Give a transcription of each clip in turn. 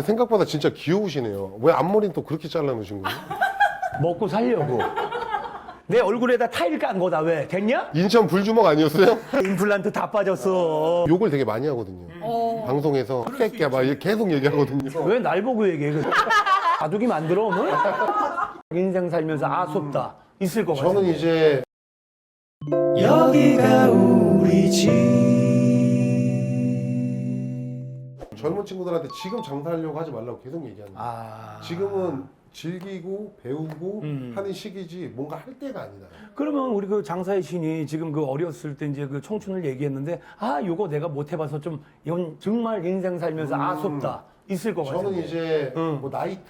생각보다 진짜 귀여우시네요. 왜 앞머리는 또 그렇게 잘라놓으신 거예요? 먹고 살려고. 내 얼굴에다 타일 깐 거다. 왜? 됐냐? 인천 불주먹 아니었어요? 임플란트 다 빠졌어. 욕을 되게 많이 하거든요. 방송에서 새끼야 막 이렇게 계속 얘기하거든요. 왜 날 보고 얘기해? 바둑이 만들어 오늘? 인생 살면서 아쉽다 있을 것 같아. 저는 이제 여기가 우리 집. 젊은 친구들한테 지금 장사하려고 하지 말라고 계속 얘기하는 거예요. 지금은 즐기고 배우고 하는 시기지 뭔가 할 때가 아니다. 그러면 우리 그 장사의 신이 지금 그 어렸을 때 이제 그 청춘을 얘기했는데 요거 내가 못 해봐서 좀 이건 정말 인생 살면서 아쉽다 있을 것 같아요. 저는 이제 뭐 나이트.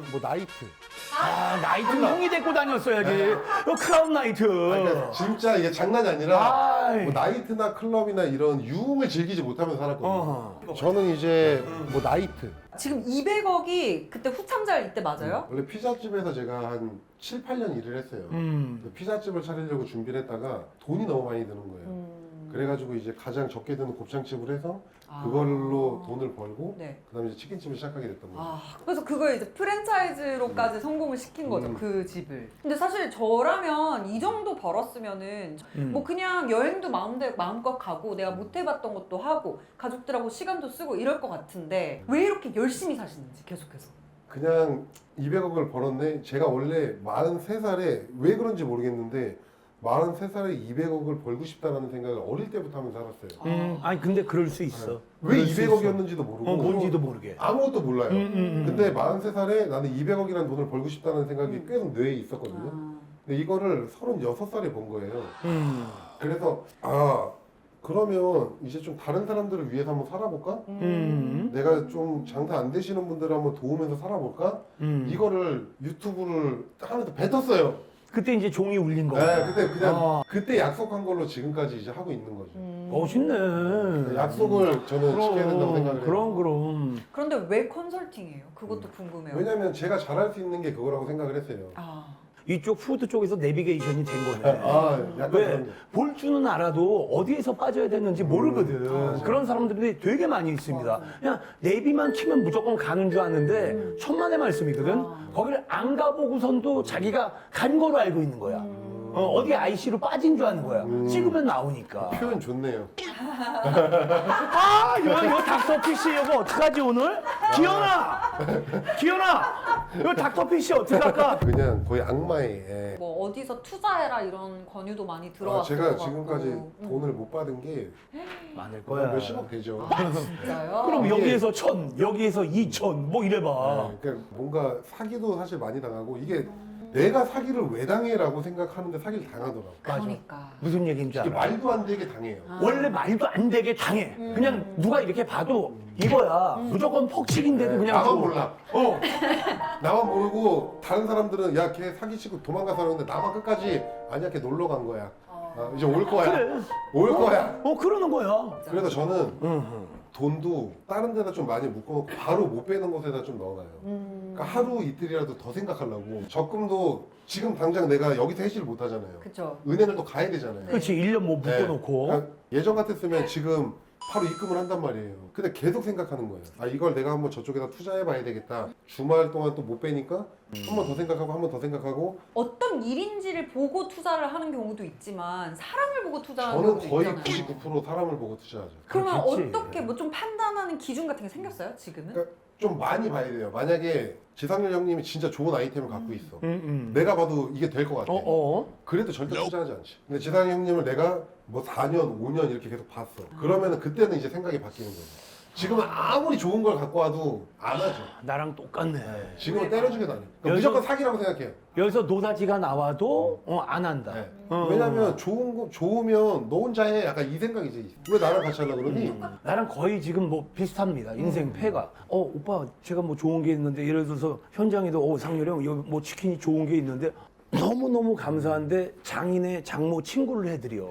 나이트는 형이 데리고 다녔어야지. 크라운 나이트. 그러니까 진짜 이게 장난이 아니라 아이. 뭐 나이트나 클럽이나 이런 유흥을 즐기지 못하면서 살았거든요. 저는 이제 뭐 나이트. 지금 200억이 그때 후참잘 이때 맞아요? 원래 피자집에서 제가 한 7, 8년 일을 했어요. 근데 피자집을 차리려고 준비를 했다가 돈이 너무 많이 드는 거예요. 그래가지고 이제 가장 적게 드는 곱창집을 해서 그걸로 돈을 벌고 네. 그다음에 이제 치킨집을 시작하게 됐던 거예요. 그래서 그걸 이제 프랜차이즈로까지 성공을 시킨 거죠, 그 집을. 근데 사실 저라면 이 정도 벌었으면은 뭐 그냥 여행도 마음껏 가고 내가 못 해봤던 것도 하고 가족들하고 시간도 쓰고 이럴 것 같은데 왜 이렇게 열심히 사시는지 계속해서. 그냥 200억을 벌었네. 제가 원래 43살에 왜 그런지 모르겠는데 43살에 200억을 벌고 싶다라는 생각을 어릴 때부터 하면서 살았어요. 아니 근데 그럴 수 있어. 왜 200억이었는지도 모르고 뭔지도 모르게. 아무것도 몰라요. 근데 43살에 나는 200억이라는 돈을 벌고 싶다는 생각이 계속 뇌에 있었거든요. 근데 이거를 36살에 번 거예요. 그래서 그러면 이제 좀 다른 사람들을 위해서 한번 살아볼까? 내가 좀 장사 안 되시는 분들을 한번 도우면서 살아볼까? 이거를 유튜브를 하면서 뱉었어요. 그때 이제 종이 울린 거야. 네, 그때 약속한 걸로 지금까지 이제 하고 있는 거죠. 멋있네. 약속을 저는 지켜야 된다고 생각을 해요. 그럼. 그런데 왜 컨설팅이에요? 그것도 궁금해요. 왜냐면 제가 잘할 수 있는 게 그거라고 생각을 했어요. 이쪽 푸드 쪽에서 내비게이션이 된 거네. 약간 왜? 그런 게. 볼 줄은 알아도 어디에서 빠져야 되는지 모르거든. 그런 사람들이 되게 많이 있습니다. 그냥 내비만 키면 무조건 가는 줄 아는데 천만의 말씀이거든. 거기를 안 가보고선도 자기가 간 거로 알고 있는 거야. 어디 IC로 빠진 줄 아는 거야. 찍으면 나오니까. 표현 좋네요. 이거 닥터피쉬 이거 어떡하지 오늘? 기현아! 이거 닥터피쉬 어떡할까? 그냥 거의 악마의 애. 뭐 어디서 투자해라 이런 권유도 많이 들어왔을 제가 것 지금까지 같고. 돈을 못 받은 게 많을 거야. 몇십억 되죠. 진짜요? 그럼 이게- 여기에서 1,000, 여기에서 2,000, 뭐 이래봐. 그러니까 뭔가 사기도 사실 많이 당하고 이게 내가 사기를 왜 당해라고 생각하는데 사기를 당하더라고. 그러니까. 무슨 얘기인 줄 이게 알아? 말도 안 되게 당해요. 원래 말도 안 되게 당해. 그냥 누가 이렇게 봐도 이거야. 무조건 퍽식인데도 그냥 나만 좀- 몰라. 나만 모르고 다른 사람들은 야 걔 사기치고 도망가서 하는데 나만 끝까지 아니야 걔 놀러 간 거야. 이제 올 거야. 그래. 올 거야. 그러는 거야. 그래서 저는 돈도 다른 데다 좀 많이 묶어놓고 바로 못 빼는 곳에다 좀 넣어놔요. 그러니까 하루 이틀이라도 더 생각하려고. 적금도 지금 당장 내가 여기서 해지를 못 하잖아요. 그쵸. 은행을 또 가야 되잖아요. 그렇지. 1년 뭐 네. 묶어놓고. 그러니까 예전 같았으면 지금 바로 입금을 한단 말이에요. 근데 계속 생각하는 거예요. 이걸 내가 한번 저쪽에다 투자해 봐야 되겠다. 주말 동안 또 못 빼니까 한 번 더 생각하고 한 번 더 생각하고. 어떤 일인지를 보고 투자를 하는 경우도 있지만 사람을 보고 투자하는 저는 경우도 거의 있잖아요. 99% 사람을 보고 투자하죠. 그러면 그렇겠지. 어떻게 뭐 좀 판단하는 기준 같은 게 생겼어요? 지금은? 그러니까 좀 많이 봐야 돼요. 만약에 지상렬 형님이 진짜 좋은 아이템을 갖고 있어. 음. 내가 봐도 이게 될 것 같아. 그래도 절대 투자하지 않지. 근데 지상렬 형님을 내가 뭐 4년, 5년 이렇게 계속 봤어. 그러면은 그때는 이제 생각이 바뀌는 거죠. 지금은 아무리 좋은 걸 갖고 와도 안 하죠. 나랑 똑같네. 지금은 때려주게 다녀. 그러니까 여기서- 무조건 사기라고 생각해요. 여기서 노다지가 나와도 안 한다. 네. 어. 왜냐면 좋으면 너 혼자 해. 약간 이 생각이지. 왜 나랑 같이 하려고 그러니? 나랑 거의 지금 뭐 비슷합니다. 인생 패가. 오빠 제가 뭐 좋은 게 있는데 예를 들어서 현장에도 상렬이 형 여기 뭐 치킨이 좋은 게 있는데 너무너무 감사한데 장인의 장모 친구를 해드려.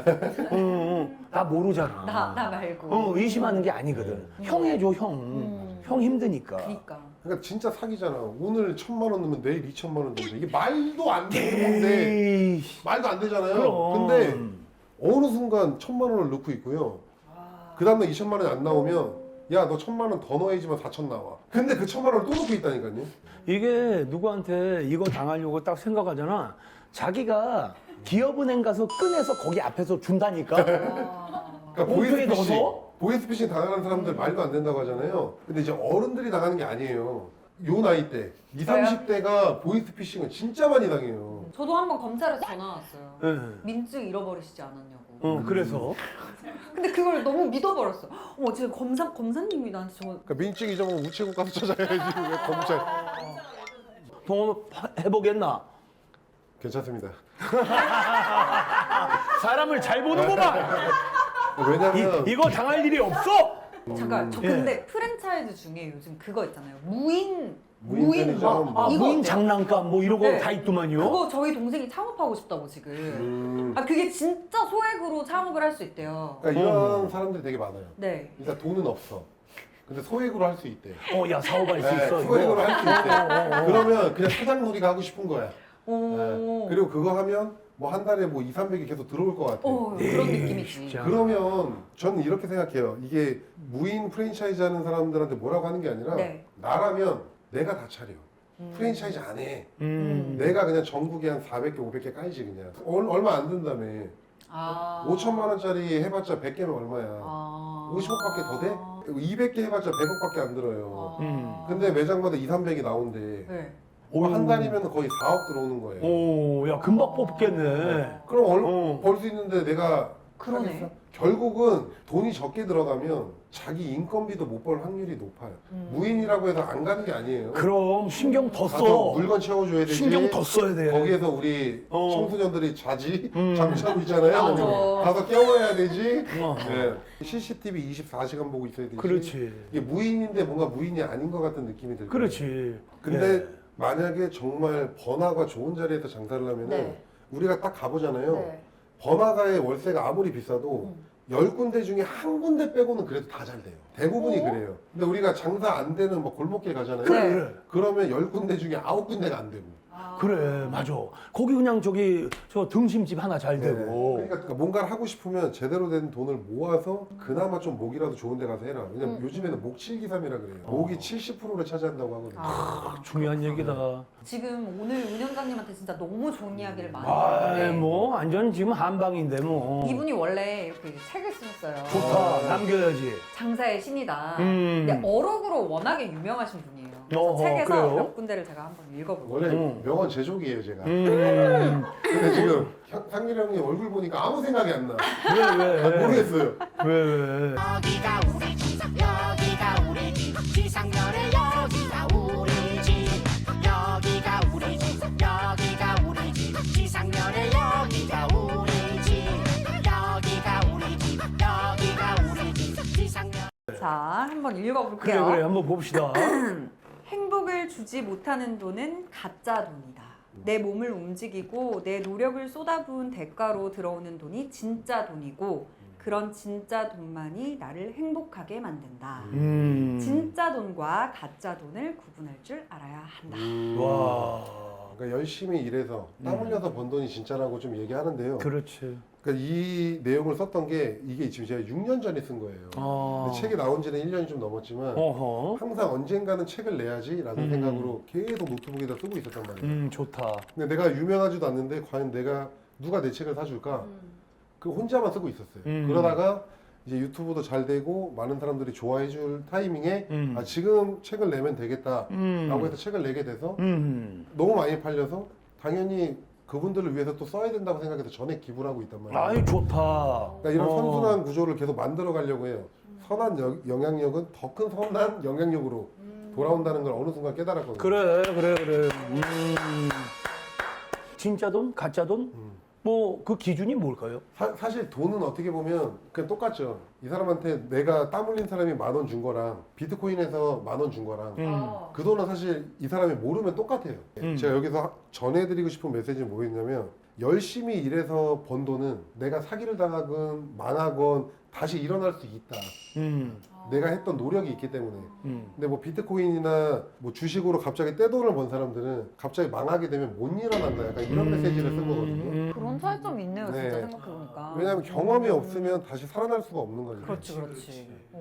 나 모르잖아. 나 말고. 의심하는 게 아니거든. 형 해줘 형. 형 힘드니까. 그러니까. 그러니까 진짜 사기잖아. 오늘 1,000만 원 넣으면 내일 2,000만 원 넣는데 이게 말도 안 되는 건데 에이, 말도 안 되잖아요. 그럼. 근데 어느 순간 1,000만 원을 넣고 있고요. 그 다음날 2,000만 원이 안 나오면 야 너 1,000만 원 더 넣어야지만 4천 나와. 근데 그 1,000만 원을 또 놓고 있다니까요. 이게 누구한테 이거 당하려고 딱 생각하잖아. 자기가 기업은행 가서 꺼내서 거기 앞에서 준다니까. 그러니까 봉투에 넣어서? 보이스피싱 당하는 사람들 말도 안 된다고 하잖아요. 근데 이제 어른들이 당하는 게 아니에요. 요 나이 때 20, 30대가 보이스피싱은 진짜 많이 당해요. 저도 한번 검찰에서 전화 왔어요. 네. 민증 잃어버리시지 않았냐고. 그래서 근데 그걸 너무 믿어버렸어. 어머 지금 검사님이 나한테 저거 그러니까 민증 잊어먹으면 우체국 가서 찾아야지 왜 검찰. 통화해보겠나? 괜찮습니다. 사람을 잘 보는구만. 왜냐면 이거 당할 일이 없어. 잠깐 저 예. 근데 프랜차이즈 중에 요즘 그거 있잖아요. 무인 편의점. 이거 무인 어때요? 장난감 뭐 이런 거 네. 다 있더만요. 그거 저희 동생이 창업하고 싶다고 지금. 아 그게 진짜 소액으로 창업을 할 수 있대요. 그러니까 이런 사람들이 되게 많아요. 네. 일단 돈은 없어. 근데 소액으로 할 수 있대. 야 사업할 수 있어. 소액으로 이거. 할 수 있대. 그러면 그냥 사장놀이가 하고 싶은 거야. 오. 네. 그리고 그거 하면 뭐 한 달에 뭐 2, 300이 계속 들어올 것 같아. 그런 느낌이지. 진짜. 그러면 저는 이렇게 생각해요. 이게 무인 프랜차이즈 하는 사람들한테 뭐라고 하는 게 아니라 네. 나라면 내가 다 차려. 프랜차이즈 안 해. 내가 그냥 전국에 한 400개, 500개 까이지 그냥. 얼마 안 든다며. 아. 5천만 원짜리 해봤자 100개면 얼마야. 아. 50억밖에 더 돼? 200개 해봤자 100억밖에 안 들어요. 근데 매장마다 2, 300이 나온대. 네. 뭐 한 달이면 거의 4억 들어오는 거예요. 오, 야 금방 뽑겠네. 그럼 벌 수 있는데 내가 그러네. 하겠어? 결국은 돈이 적게 들어가면 자기 인건비도 못 벌 확률이 높아요. 무인이라고 해서 안 가는 게 아니에요. 그럼 신경 더 가서 써. 물건 채워줘야 되지. 신경 더 써야 돼. 거기에서 우리 청소년들이 자지 잠자고 있잖아요. 맞아. 가서 깨워야 되지. 어. 네. CCTV 24시간 보고 있어야 되지. 그렇지. 이게 무인인데 뭔가 무인이 아닌 것 같은 느낌이 들고. 그렇지. 근데 예. 만약에 정말 번화가 좋은 자리에서 장사를 하면은 네. 우리가 딱 가보잖아요. 네. 번화가의 월세가 아무리 비싸도 10군데 중에 한 군데 빼고는 그래도 다 잘 돼요. 대부분이 그래요. 근데 우리가 장사 안 되는 뭐 골목길 가잖아요. 네. 그래. 그러면 10군데 중에 9군데가 안 되고. 그래, 맞아. 거기 그냥 저 등심집 하나 잘 네. 되고. 그러니까 뭔가를 하고 싶으면 제대로 된 돈을 모아서 그나마 좀 목이라도 좋은 데 가서 해라. 왜냐면 요즘에는 목칠기삼이라 그래요. 목이 70%를 차지한다고 하거든요. 중요한 얘기다. 지금 오늘 운영자님한테 진짜 너무 좋은 이야기를 많이 아, 했는데 뭐 완전 지금 한방인데 뭐. 이분이 원래 이렇게 책을 쓰셨어요. 좋다. 남겨야지. 장사의 신이다. 음. 근데 어록으로 워낙에 유명하신 분이에요. 그래서 어허, 책에서 그래요? 몇 군데를 제가 한번 읽어볼게요. 원래 명언 제조기예요, 제가. 음. 근데 지금 상렬 형님 얼굴 보니까 아무 생각이 안 나. 왜? 모르겠어요. 왜? 여기가 우리 집 여기가 우리 집 지상렬의 여기가 우리 집 여기가 우리 집 여기가 우리 집 지상렬의 여기가 우리 집 여기가 우리 집 여기가 우리 집 지상렬 자, 한번 읽어볼게요. 그래, 한번 봅시다. 행복을 주지 못하는 돈은 가짜 돈이다. 내 몸을 움직이고 내 노력을 쏟아부은 대가로 들어오는 돈이 진짜 돈이고 그런 진짜 돈만이 나를 행복하게 만든다. 진짜 돈과 가짜 돈을 구분할 줄 알아야 한다. 와. 그러니까 열심히 일해서 땀 흘려서 번 돈이 진짜라고 좀 얘기하는데요. 그렇지. 그러니까 이 내용을 썼던 게 이게 지금 제가 6년 전에 쓴 거예요. 근데 책이 나온 지는 1년이 좀 넘었지만 어허. 항상 언젠가는 책을 내야지라는 생각으로 계속 노트북에다 쓰고 있었단 말이에요. 좋다. 근데 내가 유명하지도 않는데 과연 누가 내 책을 사줄까? 그 혼자만 쓰고 있었어요. 그러다가 이제 유튜브도 잘 되고 많은 사람들이 좋아해 줄 타이밍에 아, 지금 책을 내면 되겠다라고 해서 책을 내게 돼서 너무 많이 팔려서 당연히 그분들을 위해서 또 써야 된다고 생각해서 전액 기부를 하고 있단 말이에요. 아이 좋다. 그러니까 이런 선순환 구조를 계속 만들어 가려고 해요. 선한 영향력은 더 큰 선한 영향력으로 돌아온다는 걸 어느 순간 깨달았거든요. 그래. 진짜 돈, 가짜 돈? 뭐 그 기준이 뭘까요? 사실 돈은 어떻게 보면 그냥 똑같죠. 이 사람한테 내가 땀 흘린 사람이 10,000원 준 거랑 비트코인에서 10,000원 준 거랑 그 돈은 사실 이 사람이 모르면 똑같아요. 제가 여기서 전해드리고 싶은 메시지는 뭐였냐면 열심히 일해서 번 돈은 내가 사기를 당하건 망하건 다시 일어날 수 있다. 내가 했던 노력이 있기 때문에. 근데 뭐 비트코인이나 뭐 주식으로 갑자기 떼돈을 번 사람들은 갑자기 망하게 되면 못 일어난다. 약간 이런 메시지를 쓴 거거든요. 그런 차이점이 있네요, 진짜 네. 생각해보니까. 왜냐하면 경험이 없으면 다시 살아날 수가 없는 거죠. 그렇지.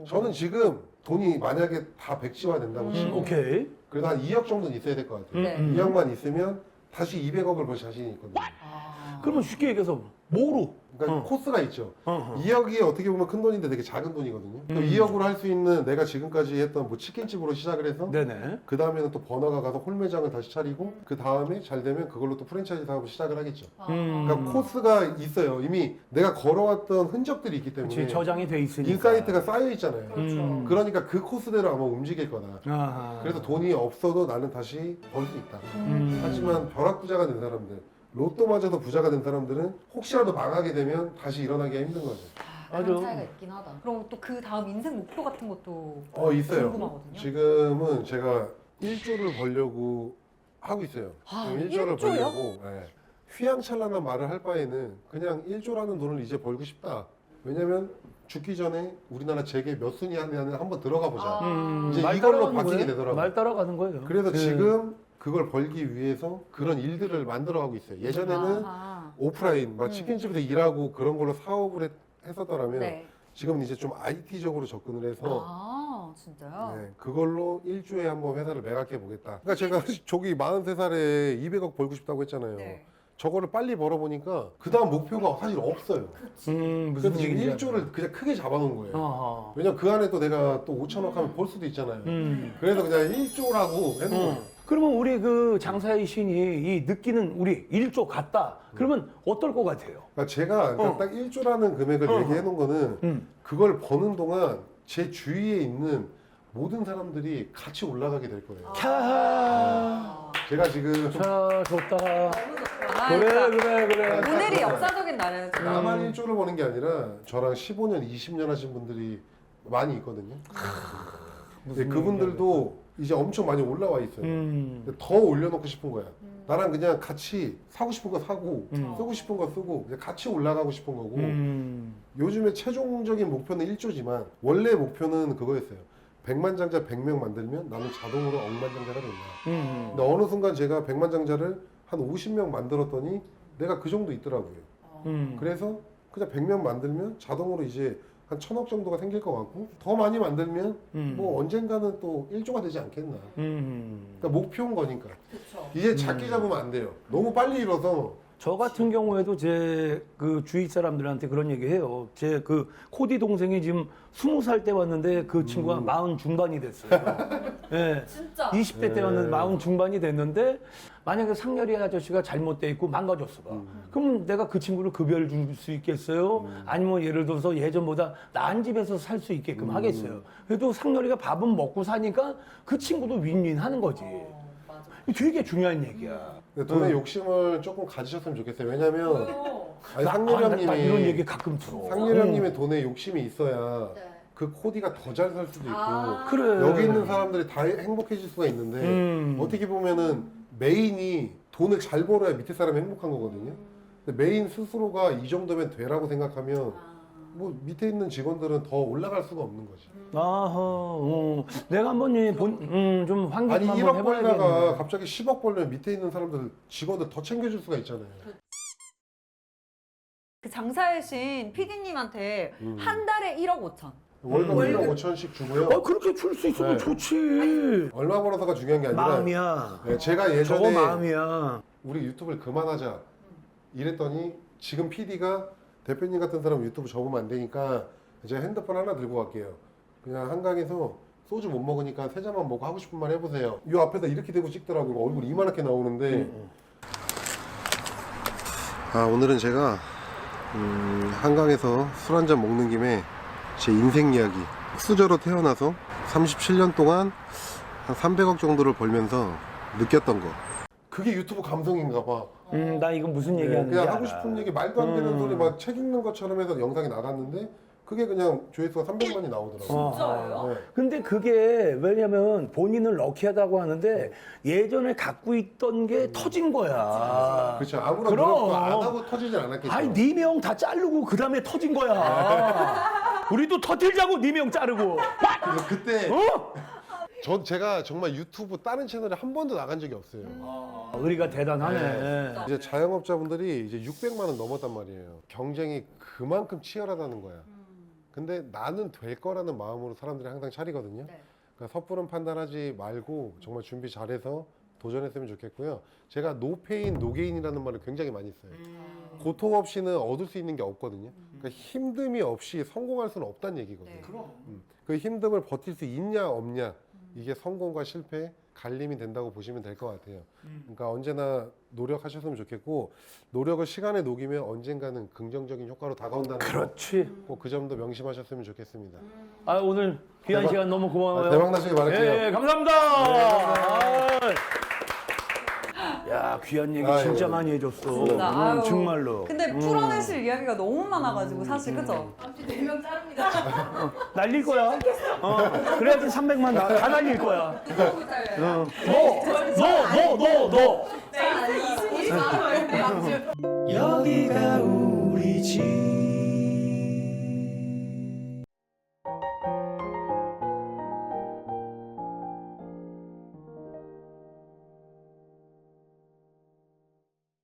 저는 지금 돈이 만약에 다 백지화 된다고 치고 오케이. 그래도 한 2억 정도는 있어야 될 것 같아요. 네. 2억만 있으면 다시 200억을 벌 자신이 있거든요. 그러면 쉽게 얘기해서 뭐로? 그러니까 코스가 있죠. 어. 2억이 어떻게 보면 큰 돈인데 되게 작은 돈이거든요. 그럼 2억으로 할 수 있는 내가 지금까지 했던 뭐 치킨집으로 시작을 해서 네네. 그 다음에는 또 번화가 가서 홀매장을 다시 차리고 그 다음에 잘 되면 그걸로 또 프랜차이즈 사업을 시작을 하겠죠. 그러니까 코스가 있어요. 이미 내가 걸어왔던 흔적들이 있기 때문에 그치, 저장이 돼 있으니까. 인사이트가 쌓여 있잖아요. 그렇죠. 그러니까 그 코스대로 아마 움직일 거다. 아하. 그래서 돈이 없어도 나는 다시 벌 수 있다. 음. 하지만 벼락부자가 된 사람들, 로또 맞아서 부자가 된 사람들은 혹시라도 망하게 되면 다시 일어나기가 힘든 거죠. 그런 맞아. 차이가 있긴 하다. 그럼 또 그 다음 인생 목표 같은 것도 있어요. 궁금하거든요. 지금은 제가 1조를 벌려고 하고 있어요. 아, 지금 1조를 1조요? 벌려고 휘황찬란한 말을 할 바에는 그냥 1조라는 돈을 이제 벌고 싶다. 왜냐면 죽기 전에 우리나라 재계 몇 순위 하냐는 한번 들어가 보자. 이제 말 이걸로 따라가는 바뀌게 거예요? 되더라고요. 말 따라가는 거예요. 그래서 네. 지금 그걸 벌기 위해서 그런 일들을 만들어가고 있어요. 예전에는 아하. 오프라인, 막 치킨집에서 일하고 그런 걸로 사업을 했었더라면 네. 지금은 이제 좀 IT적으로 접근을 해서 아 진짜요? 네, 그걸로 1조에 한번 회사를 매각해 보겠다. 그러니까 제가 저기 43살에 200억 벌고 싶다고 했잖아요. 네. 저거를 빨리 벌어보니까 그 다음 목표가 사실 없어요. 무슨 그래서 지금 얘기인지 1조를 그냥 크게 잡아놓은 거예요. 어허. 왜냐면 그 안에 또 내가 또 5천억 하면 벌 수도 있잖아요. 그래서 그냥 1조라고 해놓은 거예요. 그러면 우리 그 장사의 신이 이 느끼는 우리 1조 같다. 그러면 어떨 것 같아요? 그러니까 제가 딱 1조라는 금액을 얘기해 놓은 거는 그걸 버는 동안 제 주위에 있는 모든 사람들이 같이 올라가게 될 거예요. 캬. 제가 지금 자, 좋다. 너무 좋다. 그래. 오늘이 역사적인 날이에요. 지금. 나만 1조를 버는 게 아니라 저랑 15년, 20년 하신 분들이 많이 있거든요. 근데 그분들도 이제 엄청 많이 올라와 있어요. 근데 더 올려놓고 싶은 거야. 나랑 그냥 같이 사고 싶은 거 사고 쓰고 싶은 거 쓰고 그냥 같이 올라가고 싶은 거고 요즘에 최종적인 목표는 1조지만 원래 목표는 그거였어요. 100만 장자 100명 만들면 나는 자동으로 억만장자가 된다. 근데 어느 순간 제가 100만 장자를 한 50명 만들었더니 내가 그 정도 있더라고요. 그래서 그냥 100명 만들면 자동으로 이제 한 1000억 정도가 생길 것 같고 더 많이 만들면 뭐 언젠가는 또 1조가 되지 않겠나. 그러니까 목표인 거니까. 그쵸. 이제 작게 잡으면 안 돼요. 너무 빨리 일어서 저 같은 경우에도 제 그 주위 사람들한테 그런 얘기 해요. 제 그 코디 동생이 지금 20살 때 왔는데 그 친구가 40 중반이 됐어요. 예. 진짜. 20대 때 왔는데 40 중반이 됐는데 만약에 상렬이 아저씨가 잘못돼 있고 망가졌어 봐. 그럼 내가 그 친구를 급여를 줄 수 있겠어요? 아니면 예를 들어서 예전보다 나은 집에서 살 수 있게끔 하겠어요. 그래도 상렬이가 밥은 먹고 사니까 그 친구도 윈윈 하는 거지. 맞아. 되게 중요한 얘기야. 근데 돈의 욕심을 조금 가지셨으면 좋겠어요. 왜냐면 아니, 나 상렬이 이런 형님이 얘기 가끔 들어. 상렬이 형님의 돈에 욕심이 있어야 네. 그 코디가 더 잘 살 수도 있고 그래. 여기 있는 사람들이 다 행복해질 수가 있는데 어떻게 보면은 메인이 돈을 잘 벌어야 밑에 사람이 행복한 거거든요. 근데 메인 스스로가 이 정도면 되라고 생각하면 뭐 밑에 있는 직원들은 더 올라갈 수가 없는 거지. 아하, 내가 한번 좀 환기 아니 좀 1억 한번 벌다가 해봐야겠네. 갑자기 10억 벌면 밑에 있는 사람들 직원들 더 챙겨줄 수가 있잖아요. 그 장사의 신 PD님한테 한 달에 1억 5천. 월급 월급. 1억 5천씩 주고요. 그렇게 줄 수 있으면 네. 좋지. 얼마 벌어서가 중요한 게 아니라 마음이야. 네, 제가 저거 예전에 마음이야. 우리 유튜브를 그만하자 이랬더니 지금 PD가 대표님 같은 사람 유튜브 접으면 안 되니까 제가 핸드폰 하나 들고 갈게요. 그냥 한강에서 소주 못 먹으니까 세 잔만 먹고 하고 싶은 말 해보세요. 이 앞에다 이렇게 대고 찍더라고요. 얼굴 이만하게 나오는데 오늘은 제가 한강에서 술 한잔 먹는 김에 제 인생 이야기 수저로 태어나서 37년 동안 한 300억 정도를 벌면서 느꼈던 거 그게 유튜브 감성인가 봐. 나 이거 무슨 얘기하는지 그냥 알아. 하고 싶은 얘기 말도 안 되는 소리 막 책 읽는 것처럼 해서 영상이 나갔는데 그게 그냥 조회수가 300만이 나오더라고요. 진짜예요? 네. 근데 그게 왜냐면 본인은 럭키하다고 하는데 예전에 갖고 있던 게 터진 거야. 그렇죠. 아무런 그럼. 노력도 안 하고 터지진 않았겠죠. 아니 네 명 다 자르고 그 다음에 터진 거야. 우리도 터뜨리자고 네 명 자르고. 그래서 그때 어? 제가 정말 유튜브 다른 채널에 한 번도 나간 적이 없어요. 우리가 대단하네. 네. 이제 자영업자분들이 이제 600만 원 넘었단 말이에요. 경쟁이 그만큼 치열하다는 거야. 근데 나는 될 거라는 마음으로 사람들이 항상 차리거든요. 네. 그러니까 섣부른 판단하지 말고 정말 준비 잘해서 도전했으면 좋겠고요. 제가 노페인 노게인이라는 말을 굉장히 많이 써요. 고통 없이는 얻을 수 있는 게 없거든요. 그러니까 힘듦이 없이 성공할 수는 없다는 얘기거든요. 네. 그 힘듦을 버틸 수 있냐 없냐 이게 성공과 실패 갈림이 된다고 보시면 될 것 같아요. 그러니까 언제나 노력하셨으면 좋겠고 노력을 시간에 녹이면 언젠가는 긍정적인 효과로 다가온다는 그렇지. 꼭 그 점도 명심하셨으면 좋겠습니다. 아, 오늘 귀한 대박- 시간 너무 고마워요. 대박 나시길 바랄게요. 예, 감사합니다. 야, 귀한 얘기 아유, 진짜 많이 해줬어. 진짜, 아유. 정말로. 근데 풀어내실 이야기가 너무 많아가지고 사실 그죠? 날릴 거야. 그래야지 300만 다 날릴 거야. 너. 여기가 우리 집.